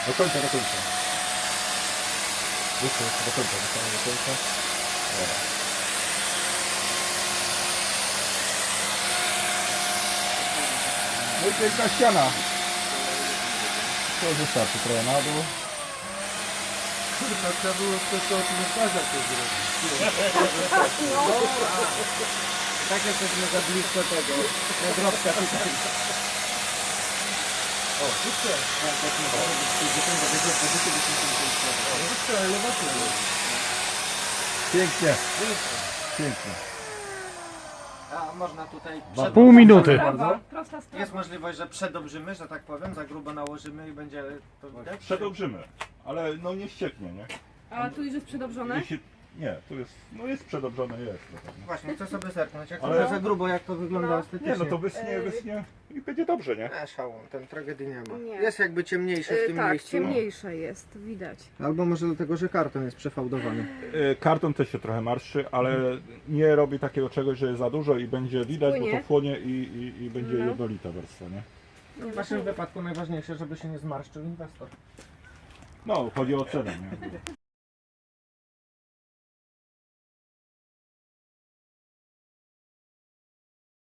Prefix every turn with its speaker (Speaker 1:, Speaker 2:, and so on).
Speaker 1: Do końca, do końca. Jeszcze do końca, do końca. Dobra. No i piękna ściana. To wystarczy trochę na dół.
Speaker 2: Kurwa, trzeba było to komentarza to zrobić.
Speaker 3: Tak jesteśmy za blisko tego. Nagrobka tutaj.
Speaker 2: O, wszystko. Wszystko, elewacja.
Speaker 1: Pięknie. Pięknie.
Speaker 3: A można tutaj
Speaker 1: Pół minuty.
Speaker 4: Prawa, prosta sprawa.
Speaker 3: Jest możliwość, że przedobrzymy, że tak powiem, za grubo nałożymy i będzie to widać?
Speaker 1: Przedobrzymy, ale no nie ścieknie, nie?
Speaker 4: A tu już jest przedobrzone?
Speaker 1: Jeśli, nie, tu jest, no jest przedobrzone, jest. trochę, no.
Speaker 3: Właśnie, chcę sobie zerknąć, jak
Speaker 1: Ale-
Speaker 3: to za grubo, jak to wygląda
Speaker 4: No.
Speaker 3: estetycznie.
Speaker 1: Nie, no to wyschnie i będzie dobrze, nie?
Speaker 3: Szałon, ten tragedii nie ma.
Speaker 4: Nie.
Speaker 3: Jest jakby ciemniejsze w tym
Speaker 4: Tak,
Speaker 3: miejscu.
Speaker 4: ciemniejsze jest, widać.
Speaker 3: Albo może dlatego, że karton jest przefałdowany.
Speaker 1: Karton też się trochę marszczy, ale nie robi takiego czegoś, że jest za dużo i będzie widać, bo
Speaker 4: Płynie.
Speaker 1: to płonie i będzie
Speaker 4: No.
Speaker 1: jednolita warstwa, nie?
Speaker 3: W waszym wypadku najważniejsze, żeby się nie zmarszczył inwestor.
Speaker 1: No, chodzi o cenę, nie?